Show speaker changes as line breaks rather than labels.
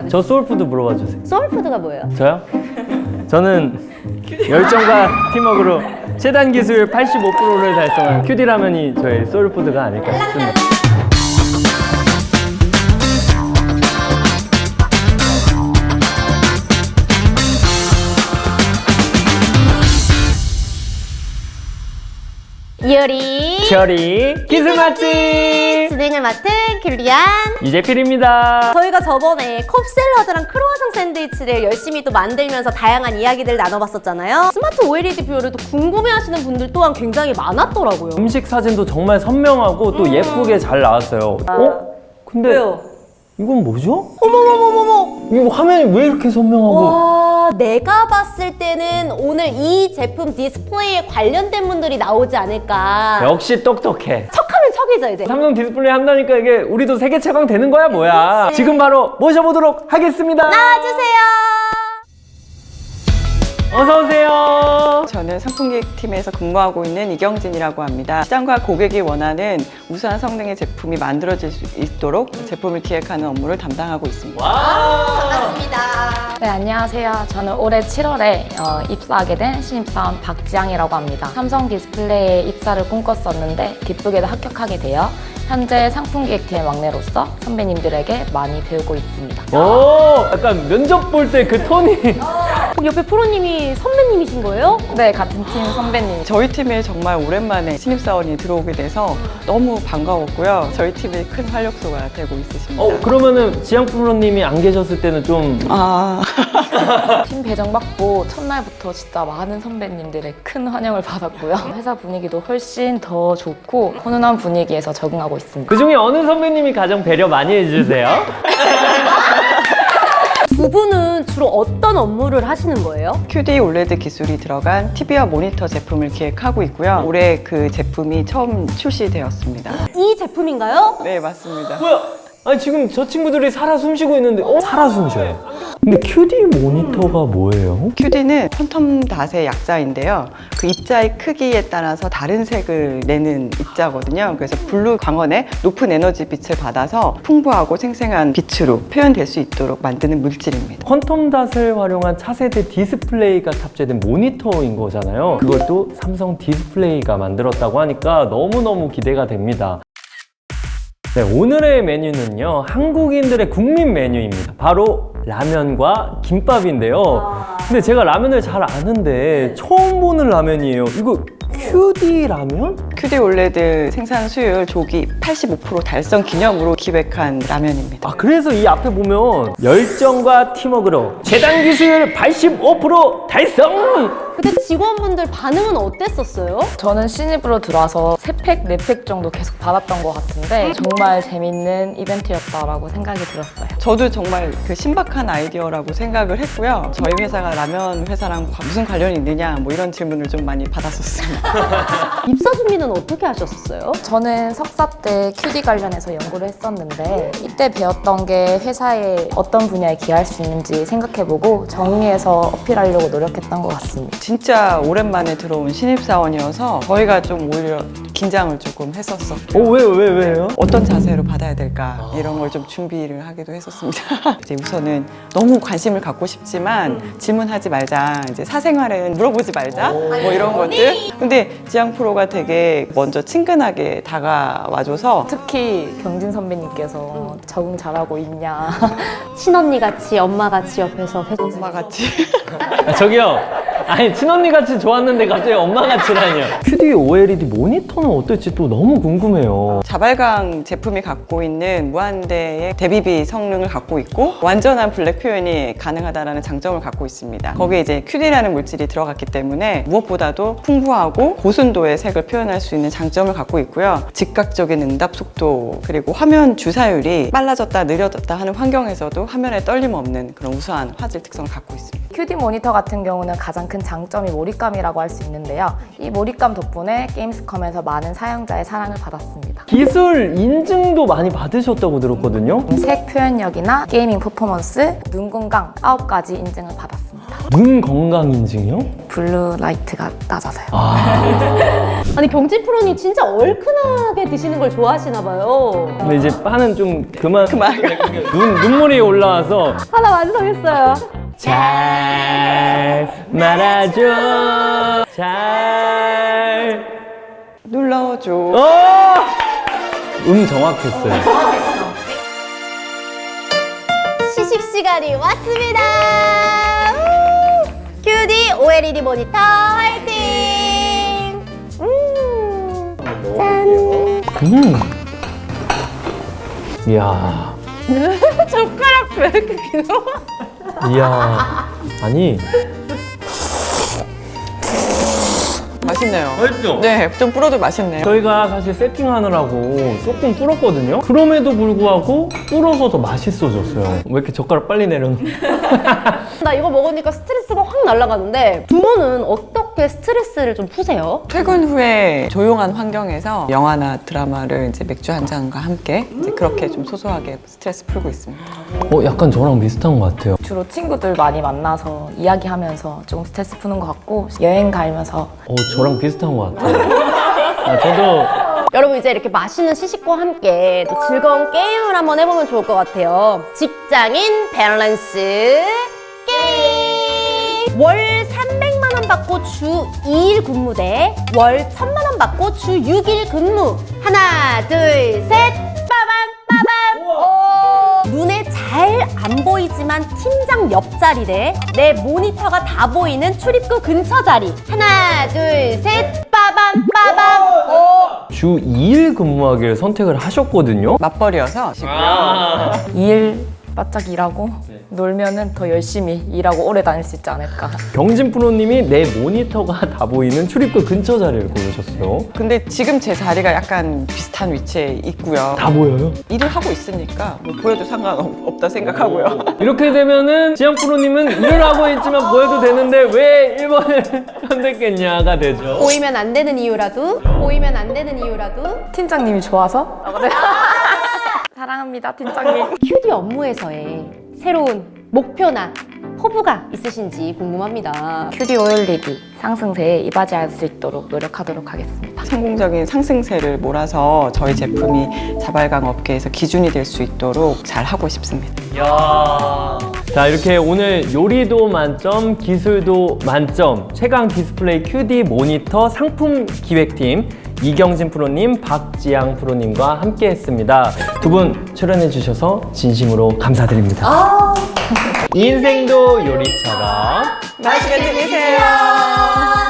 저 소울푸드 물어봐 주세요.
소울푸드가 뭐예요?
저요? 저는 열정과 팀워크로 최단 기술 85%를 달성한 큐디 라면이 저의 소울푸드가 아닐까 싶습니다.
이효리
cherry 기술 맛집
진행을 맡은 귤리안
이재필입니다.
저희가 저번에 컵샐러드랑 크로와상 샌드위치를 열심히 또 만들면서 다양한 이야기들 나눠봤었잖아요. 스마트 OLED 뷰어를 또 궁금해하시는 분들 또한 굉장히 많았더라고요.
음식 사진도 정말 선명하고 또 예쁘게 잘 나왔어요. 근데
왜요?
이건 뭐죠?
어머머머머머!
이거 화면이 왜 이렇게 선명하고?
와, 내가 봤을 때는 오늘 이 제품 디스플레이에 관련된 분들이 나오지 않을까.
역시 똑똑해.
척하면 척이죠 이제.
삼성 디스플레이 한다니까 이게 우리도 세계 최강 되는 거야 뭐야.
그치.
지금 바로 모셔보도록 하겠습니다.
나와주세요.
어서 오세요.
저는 상품기획팀에서 근무하고 있는 이경진이라고 합니다. 시장과 고객이 원하는 우수한 성능의 제품이 만들어질 수 있도록 제품을 기획하는 업무를 담당하고 있습니다.
반갑습니다.
네, 안녕하세요. 저는 올해 7월에 입사하게 된 신입사원 박지향이라고 합니다. 삼성 디스플레이에 입사를 꿈꿨었는데 기쁘게도 합격하게 되어 현재 상품기획팀의 막내로서 선배님들에게 많이 배우고 있습니다.
오, 약간 면접 볼 때 그 톤이.
옆에 프로님이 선배님이신 거예요?
네, 같은 팀 선배님.
저희 팀에 정말 오랜만에 신입사원이 들어오게 돼서 너무 반가웠고요. 저희 팀의 큰 활력소가 되고 있으십니다.
그러면은 지향 프로님이 안 계셨을 때는 좀
팀 배정받고 첫날부터 진짜 많은 선배님들의 큰 환영을 받았고요. 회사 분위기도 훨씬 더 좋고 훈훈한 분위기에서 적응하고 있습니다.
그 중에 어느 선배님이 가장 배려 많이 해주세요?
두 분은 주로 어떤 업무를 하시는 거예요?
QD OLED 기술이 들어간 TV와 모니터 제품을 기획하고 있고요. 올해 그 제품이 처음 출시되었습니다.
이 제품인가요?
네, 맞습니다.
뭐야? 아니 지금 저 친구들이 살아 숨쉬고 있는데 살아 숨쉬어요. 근데 QD 모니터가 뭐예요?
QD는 퀀텀 닷의 약자인데요. 그 입자의 크기에 따라서 다른 색을 내는 입자거든요. 그래서 블루 광원의 높은 에너지 빛을 받아서 풍부하고 생생한 빛으로 표현될 수 있도록 만드는 물질입니다.
퀀텀 닷을 활용한 차세대 디스플레이가 탑재된 모니터인 거잖아요. 그것도 삼성 디스플레이가 만들었다고 하니까 너무너무 기대가 됩니다. 네, 오늘의 메뉴는요, 한국인들의 국민 메뉴입니다. 바로 라면과 김밥인데요. 근데 제가 라면을 잘 아는데 처음 보는 라면이에요. 이거 QD 라면?
QD OLED 생산 수율 조기 85% 달성 기념으로 기획한 라면입니다.
아, 그래서 이 앞에 보면 열정과 팀워크로 최단 기술 85% 달성!
그때 직원분들 반응은 어땠었어요?
저는 신입으로 들어와서 3팩, 4팩 정도 계속 받았던 것 같은데 정말 재밌는 이벤트였다라고 생각이 들었어요.
저도 정말 그 신박한 아이디어라고 생각을 했고요. 저희 회사가 라면 회사랑 무슨 관련이 있느냐 뭐 이런 질문을 좀 많이 받았었습니다.
입사 준비는 어떻게 하셨어요?
저는 석사 때 QD 관련해서 연구를 했었는데 이때 배웠던 게 회사에 어떤 분야에 기여할 수 있는지 생각해보고 정리해서 어필하려고 노력했던 것 같습니다.
진짜 오랜만에 들어온 신입사원이어서 저희가 좀 오히려 긴장을 조금 했었었고
왜요?
어떤 자세로 받아야 될까 이런 걸 좀 준비를 하기도 했었습니다. 이제 우선은 너무 관심을 갖고 싶지만 질문하지 말자, 이제 사생활은 물어보지 말자 뭐 이런 것들. 근데 지향 프로가 되게 먼저 친근하게 다가와줘서
특히 경진 선배님께서 적응 잘하고 있냐.
친언니 같이 엄마 같이 옆에서
엄마 같이
아, 저기요. 아니 친언니 같이 좋았는데 갑자기 엄마 같이라뇨. QD OLED 모니터는 어떨지 또 너무 궁금해요.
자발광 제품이 갖고 있는 무한대의 대비비 성능을 갖고 있고 완전한 블랙 표현이 가능하다는 장점을 갖고 있습니다. 거기에 이제 QD라는 물질이 들어갔기 때문에 무엇보다도 풍부하고 고순도의 색을 표현할 수 있는 장점을 갖고 있고요. 즉각적인 응답 속도 그리고 화면 주사율이 빨라졌다 느려졌다 하는 환경에서도 화면에 떨림 없는 그런 우수한 화질 특성을 갖고 있습니다.
QD 모니터 같은 경우는 가장 큰 장점이 몰입감이라고 할 수 있는데요. 이 몰입감 덕분에 게임스컴에서 많은 사용자의 사랑을 받았습니다.
기술 인증도 많이 받으셨다고 들었거든요.
색 표현력이나 게이밍 퍼포먼스, 눈 건강 9가지 인증을 받았습니다.
눈 건강 인증이요?
블루 라이트가 낮아서요.
아니 경진 프로님 진짜 얼큰하게 드시는 걸 좋아하시나 봐요.
근데 이제 빠는 좀 그만. 눈물이 올라와서
하나 완성했어요.
잘 말아줘. 잘.
눌러줘.
정확했어요.
시식 시간이 왔습니다. 큐디 OLED 모니터 화이팅! 짠!
이야.
젓가락 왜 이렇게 길어?
이야. 아니.
맛있네요.
맛있죠?
네, 좀 불어도 맛있네요.
저희가 사실 세팅하느라고 조금 불었거든요. 그럼에도 불구하고 불어서 더 맛있어졌어요. 왜 이렇게 젓가락 빨리 내려놓?
나 이거 먹으니까 스트레스가 확 날아가는데 두 분은 어떻게 스트레스를 좀 푸세요?
퇴근 후에 조용한 환경에서 영화나 드라마를 이제 맥주 한 잔과 함께 이제 그렇게 좀 소소하게 스트레스 풀고 있습니다.
약간 저랑 비슷한 것 같아요.
주로 친구들 많이 만나서 이야기하면서 조금 스트레스 푸는 것 같고 여행 가면서
저랑 비슷한 것 같아요. 저도
여러분 이제 이렇게 맛있는 시식과 함께 또 즐거운 게임을 한번 해보면 좋을 것 같아요. 직장인 밸런스 게임! 월 300만 원 받고 주 2일 근무 대 월 1000만 원 받고 주 6일 근무. 하나, 둘, 셋! 빠밤! 빠밤! 눈에 잘 안 보이지만 팀장 옆자리 대 내 모니터가 다 보이는 출입구 근처 자리. 하나, 둘, 셋! 빠밤! 빠밤!
주 2일 근무하기를 선택을 하셨거든요.
맞벌이어서
일 바짝 일하고 놀면은 더 열심히 일하고 오래 다닐 수 있지 않을까.
경진 프로님이 내 모니터가 다 보이는 출입구 근처 자리를 고르셨어요.
근데 지금 제 자리가 약간 비슷한 위치에 있고요.
다 보여요?
일을 하고 있으니까 뭐 보여도 상관없다 생각하고요.
이렇게 되면은 지영 프로님은 일을 하고 있지만 보여도 되는데 왜 1번을 선택했냐가 되죠.
보이면 안 되는 이유라도 보이면 안 되는 이유라도
팀장님이 좋아서? 사랑합니다, 팀장님.
큐디 업무에서의 새로운 목표나 포부가 있으신지 궁금합니다.
큐디 오일리디 상승세에 이바지할 수 있도록 노력하도록 하겠습니다.
성공적인 상승세를 몰아서 저희 제품이 자발광 업계에서 기준이 될 수 있도록 잘 하고 싶습니다.
자, 이렇게 오늘 요리도 만점, 기술도 만점, 최강 디스플레이 QD 모니터 상품 기획팀 이경진 프로님, 박지양 프로님과 함께 했습니다. 두 분 출연해 주셔서 진심으로 감사드립니다. 인생도 요리처럼
맛있게 드세요.